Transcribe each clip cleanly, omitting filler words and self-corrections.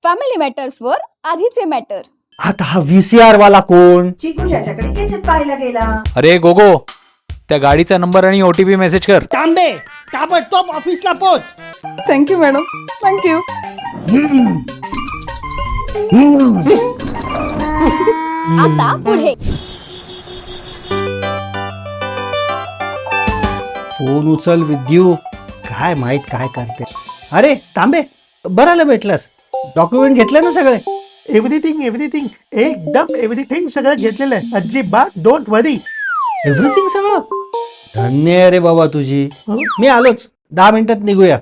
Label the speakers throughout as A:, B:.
A: Family matters वर आधीचे matter.
B: आता हा VCR वाला कोण?
C: चिकू ज्याच्याकडे केसेट पाहायला गेला.
D: अरे गोगो, त्या गाडीचा नंबर आणि OTP मेसेज कर.
E: तांबे ताबडतोब ऑफिसला पोच.
A: Thank you madam, thank you. आता पुढे
B: फोन उचल विद्यू. काय माहित काय करते. अरे तांबे, बरं आलं भेटलंस. डॉक्युमेंट घेतलं ना सगळे?
F: एव्हरीथिंग एकदम एव्हरीथिंग सगळं घेतलेलं आहे. अजिबात डोंट वरी.
B: एव्हरीथिंग सगळं? धन्य आहे रे बाबा तुझी. मी आलोच, 10 मिनिटात निघूया.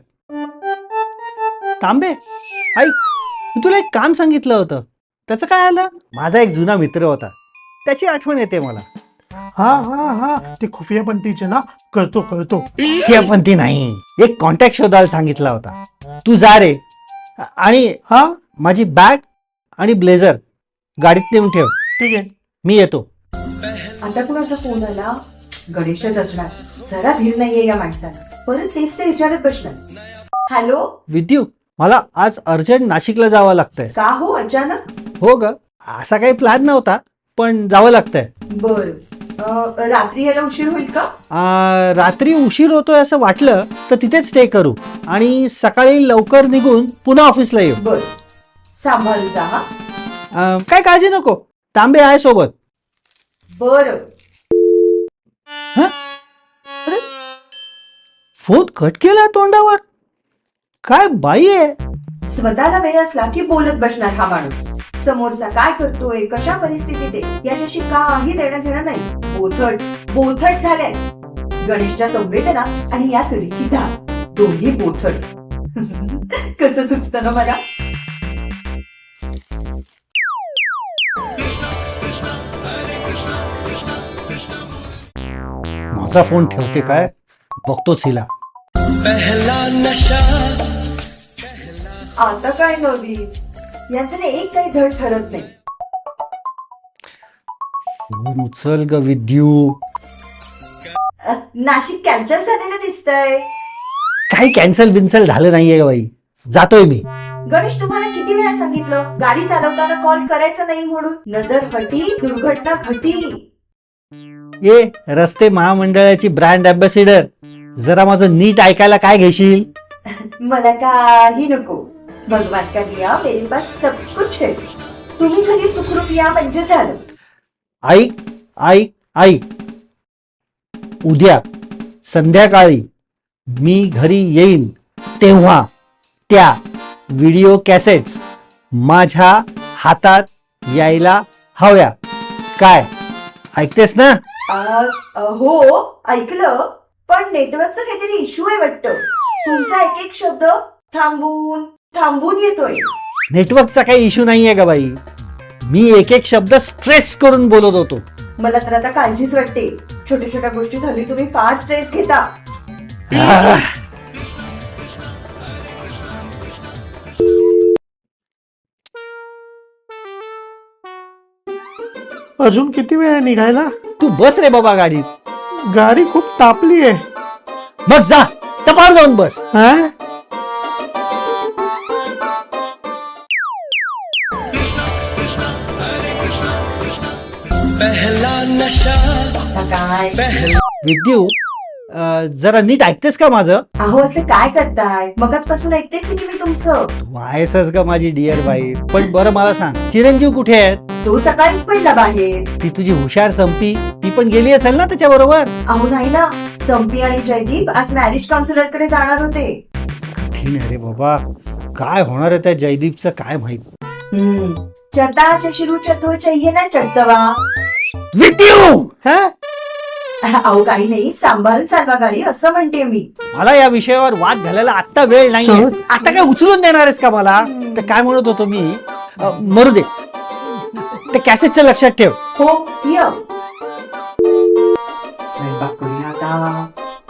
B: तांबे ऐक, मी तुला एक काम सांगितलं होतं, त्याचं काय आलं? माझा एक जुना मित्र होता, त्याची आठवण येते मला.
F: हा ते खुफियापंथीचे ना. करतो
B: पण ती नाही, एक कॉन्टॅक्ट शोधायला सांगितला होता. तू जा रे, आणि
F: हा
B: माझी बॅग आणि ब्लेझर गाडीत नेऊन ठेव.
F: ठीक आहे.
B: मी येतो.
C: आता कुणाचा फोन आला? गणेशच असणार. जरा धीर नाहीये या माणसाला. परत तेच ते विचारत बसणार. हॅलो,
B: विद्यू, मला आज अर्जंट नाशिकला जावं लागतंय.
C: का हो अचानक?
B: हो ग, असा काही प्लॅन नव्हता, पण जावं लागतंय.
C: बर, रात्री यायला उशीर होईल का?
B: रात्री उशीर होतोय असं वाटलं तर तिथेच स्टे करू आणि सकाळी लवकर निघून पुन्हा ऑफिसला येऊ.
C: बर, सांभाळून जा हा.
B: काय काळजी नको, तांबे आहे सोबत.
C: बर,
B: अरे, फोन कट केला तोंडावर. काय बाई आहे.
C: स्वतःला वेळ असला की बोलत बसणार हा माणूस. समोरचा काय करतोय, कशा परिस्थितीत आहे याच्याशी काही देणं घेणं नाही. बोथट झालंय. गणेशच्या संवेदना आणि या सुरीची धार, दोन्ही बोथट. कसं सुचतं ना मला.
B: माझा फोन ठेवते काय, बघतोच हिला.
C: आता काय नवीन, यांचं ना एक काही धड ठरत नाही.
B: फोन उचल ग विद्यू.
C: नाशिक कॅन्सल झालेलं दिसतंय.
B: काही कॅन्सल बिन्सल झालं नाहीये ग बाई, जातोय मी.
C: गणेश, तुम्हाला किती वेळा सांगितलं गाडी चालवताना कॉल करायचा नाही म्हणून. नजर हटी, दुर्घटना घटी.
B: ये रस्ते महामंडळाची ब्रँड अँबॅसिडर, जरा माझं नीट ऐकायला काय घेशील?
C: मला काही नको. भगवान का दिया मेरे पास सब कुछ है. तुम्ही घरी सुखरूप या म्हणजे झालं.
B: ऐक ऐक ऐक, उद्या संध्याकाळी मी घरी येईन तेव्हा त्या व्हिडिओ कॅसेट्स माझ्या हातात यायला हव्या. काय ऐकतेस ना?
C: हो, ऐकलं. पण नेटवर्कचा काहीतरी इश्यू आहे वाटतं. तुमचा एक एक शब्द थांबून थांबून येतोय.
B: नेटवर्कचा काही इश्यू नाहीये का बाई, मी एक एक शब्द स्ट्रेस करून बोलत होतो.
C: मला तर आता काळजीच वाटते. छोट्या छोट्या गोष्टी झाली तुम्ही फार स्ट्रेस घेता.
F: अजून किती वेळ आहे निघायला?
B: तू बस रे बाबा गाडीत.
F: गाडी खूप तापली आहे.
B: मग जा, तपार जाऊन बस.
F: हा,
C: आता काय
B: विद्यू, जरा नीट ऐकतेस का माझं?
C: अहो, असं काय करताय? मगाचपासून ऐकतेच की मी तुमचं.
B: तू आहेसच का माझी डिअर बाई. पण बरं मला सांग, चिरंजीव कुठे आहेत?
C: तो सकाळीच पडला बाहेर.
B: ती तुझी हुशार संपी, ती पण गेली असेल ना त्याच्या बरोबर?
C: अहो नाही ना, संपी आणि जयदीप आज मॅरेज काउन्सिलर कडे जाणार होते.
B: कठीण आहे रे बाबा, काय होणार आहे त्या जयदीपचं काय माहित.
C: चता चशिरू चतो चाहिए ना चढतवा.
B: विद्यू,
F: हा?
C: अहो काही नाही, सांभाळून चालवा गाडी असं म्हणते मी.
B: मला या विषयावर वाद घालायला आता वेळ नाही.
F: सहज.
B: आता काय उचलून देणार आहेस का मला? तर काय म्हणत होतो मी, मरू दे, ते कॅसेटचं लक्षात ठेव.
C: हो, य स्वयंपाक करूया आता.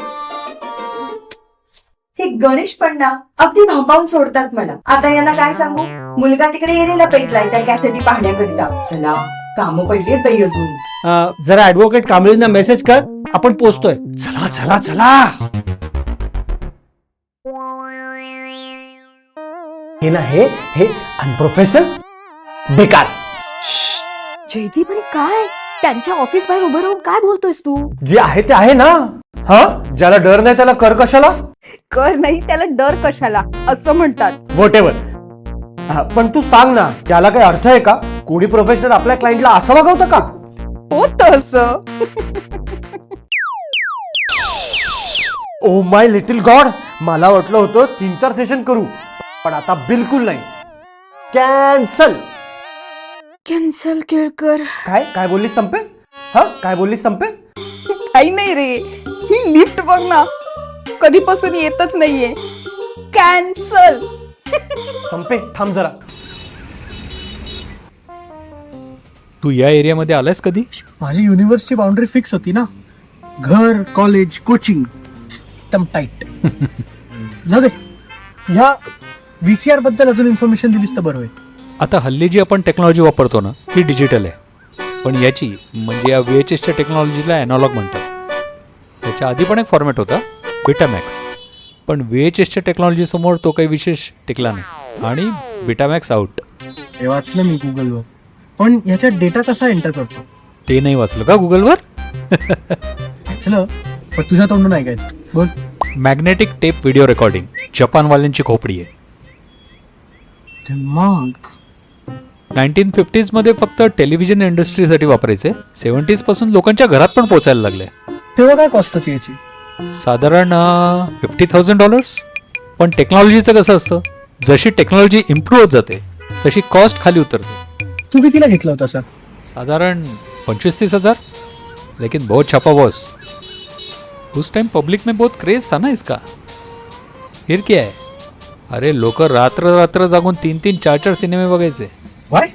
C: हे गणेश पण ना अगदी भांबावून सोडतात मला. आता यांना काय सांगू, मुलगा तिकडे एरेला पेटलाय त्या कॅसेटी पाहण्याकरिता. चला, कामं पडलीत बाई अजून.
B: जरा ऍडव्होकेट कांबळेंना मेसेज कर, आपण पोचतोय. चला चला चला.
E: हे ना हे अनप्रोफेशनल बेकार.
A: जयदीप अरे काय त्यांच्या ऑफिस बाहेर उभं राहून काय बोलतोयस तू?
E: जे आहे ते आहे ना. हा, ज्याला डर नाही त्याला कर कशाला.
A: कर नाही त्याला डर कशाला असं म्हणतात.
E: Whatever. पण तू सांग ना, त्याला काही अर्थ आहे का? कोणी प्रोफेशनल आपल्या क्लायंटला असं वागवतं का?
A: होतं असं.
E: ओ माय लिटिल गॉड, मला वाटलं होतं 3-4 सेशन करू, पण आता बिलकुल नाही. कॅन्सल.
A: कॅन्सल केळकर.
E: काय बोललीस संपे? हा, काय बोललीस संपे?
A: काही नाही रे, ही लिफ्ट बघ ना कधीपासून येतच नाहीये. कॅन्सल.
E: संपे थांब जरा.
D: तू या एरियामध्ये आलायस कधी?
F: माझी युनिव्हर्सची बाउंड्री फिक्स होती ना. घर, कॉलेज, कोचिंग एकदम टाईट. जाऊ दे, ह्या VCR बद्दल अजून इन्फॉर्मेशन दिलीस तर बरं होईल.
D: आता हल्ली जी आपण टेक्नॉलॉजी वापरतो ना ती डिजिटल आहे, पण याची म्हणजे या VHSच्या टेक्नॉलॉजीला ॲनालॉग म्हणतात. त्याच्या आधी पण एक फॉर्मॅट होता बेटामॅक्स, पण VHSच्या टेक्नॉलॉजी समोर तो काही विशेष टिकला नाही आणि बेटामॅक्स आउट.
F: हे वाचलं मी गुगलवर, पण याच्यात डेटा कसा एंटर करतो?
D: ते नाही वाचलं का गुगलवर?
F: वाचलं, पण तुझ्या तोंडून ऐकायचं. बोल.
D: मॅग्नेटिक टेप व्हिडिओ रेकॉर्डिंग जपानवाल्यांची खोपडी आहे.
F: मग
D: 1950s मध्ये फक्त टेलिव्हिजन इंडस्ट्रीसाठी वापरायचे. 70s पासून लोकांच्या घरात पण पोचायला लागले.
F: तेव्हा काय कॉस्ट होती याची?
D: साधारण $50,000. पण टेक्नॉलॉजीचं कसं असतं, जशी टेक्नॉलॉजी इम्प्रूव्ह होत जाते तशी कॉस्ट खाली उतरते.
F: तू कितीला घेतला होता सर?
D: साधारण 25-30 हजार. लेकिन बहुत छापा बॉस. उस टाइम पब्लिक में बहुत क्रेज था ना इसका. फिर क्या है, अरे लोक रात्र रात्र जागून 3-3, 4-4 सिनेमे बघायचे.
F: वाय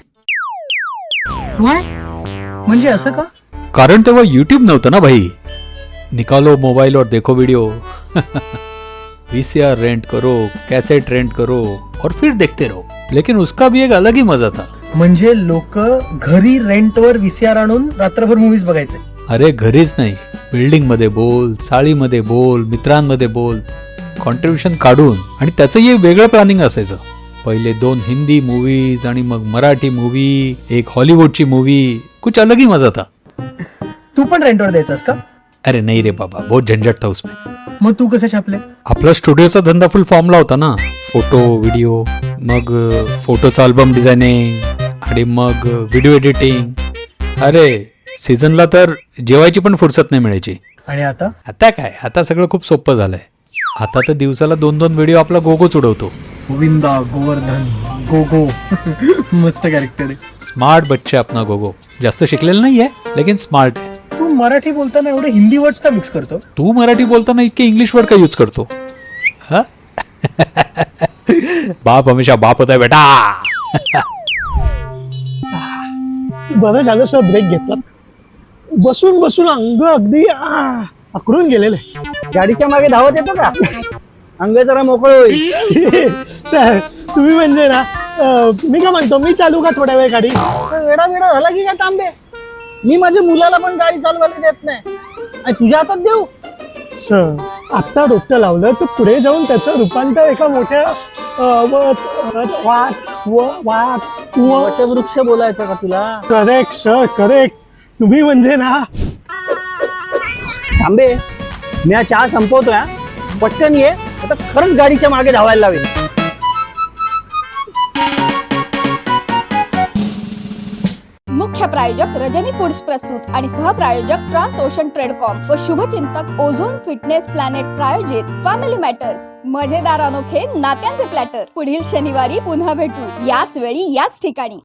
F: म्हणजे असं का?
D: कारण तेव्हा यूट्यूब नव्हतं ना भाई. निकालो मोबाइल और देखो वीडियो. VCR रेंट करो, कैसेट रेंट करो और फिर देखते रहो. लेकिन उसका भी एक अलग ही मजा था.
F: म्हणजे लोक घरी रेंटवर VCR आणून रात्रभर मूवीज बघायचे.
D: अरे घरीच नाही, बिल्डिंग मध्ये बोल, चाळीमध्ये बोल, मित्रांमध्ये बोल, कॉन्ट्रीब्युशन काढून. आणि त्याचंही वेगळं प्लॅनिंग असायचं. पहिले 2 हिंदी मूवीज आणि मग मराठी मूवी, एक हॉलिवूडची मूवी. कुछ अलग ही मजा था.
F: तू पण रेंटवर द्यायचास का?
D: अरे नाही रे बाबा, बहुत झंझट था उसमें.
F: मग तू कसे छापले?
D: आपला स्टुडिओचा धंदा फुल फॉर्मला होता ना. फोटो, व्हिडिओ, मग फोटोचा अल्बम डिझायनिंग आणि मग व्हिडिओ एडिटिंग. अरे सीझनला तर जेवायची पण फुरसत नाही मिळायची.
F: आणि आता?
D: आता काय, आता सगळं खूप सोपं झालंय. आता तर दिवसाला 2-2 व्हिडिओ आपला गोगोच उडवतो.
F: गोविंदा, गोवर्धन, गोगो. मस्त कॅरेक्टर आहे.
D: स्मार्ट बच्चे अपना गोगो. जास्त शिकलेलं नाहीये, लेकिन स्मार्ट आहे.
F: तू मराठी बोलताना एवढे हिंदी वर्ड्स का मिक्स करतो?
D: तू मराठी बोलताना इतके इंग्लिश वर्ड का यूज करतो? हा? बाप हमेशा बाप होता है बेटा.
E: बरं झालं सर ब्रेक घेतला. बसून बसून अंग अगदी आकडून गेलेले.
G: गाडीच्या मागे धावत येतो का? अंग जरा मोकळं होईल.
E: सर तुम्ही म्हणजे ना, मी काय म्हणतो, मी चालू का थोड्या वेळ गाडी?
G: वेडा वेडा झाला की काय तांबे? मी माझ्या मुलाला पण गाडी चालवायला देत नाही आणि तुझ्या हातात देऊ?
E: सर आता रोपटं लावलं तर पुढे जाऊन त्याचं रूपांतर एका मोठ्या
G: वटवृक्ष बोलायचं का तुला?
E: Correct sir, correct. तुम्ही म्हणजे ना.
G: तांबे, मी हा चहा संपवतोय. पटकन ये, आता खरंच गाडीच्या मागे धावायला लावेल.
A: मुख्य प्रायोजक रजनी फूड्स प्रस्तुत आणि सहप्रायोजक ट्रान्स ओशन ट्रेडकॉम व शुभचिंतक ओझोन फिटनेस प्लॅनेट प्रायोजित फॅमिली मॅटर्स. मजेदार अनोखे नात्यांचे प्लॅटर. पुढील शनिवारी पुन्हा भेटू, याच वेळी याच ठिकाणी.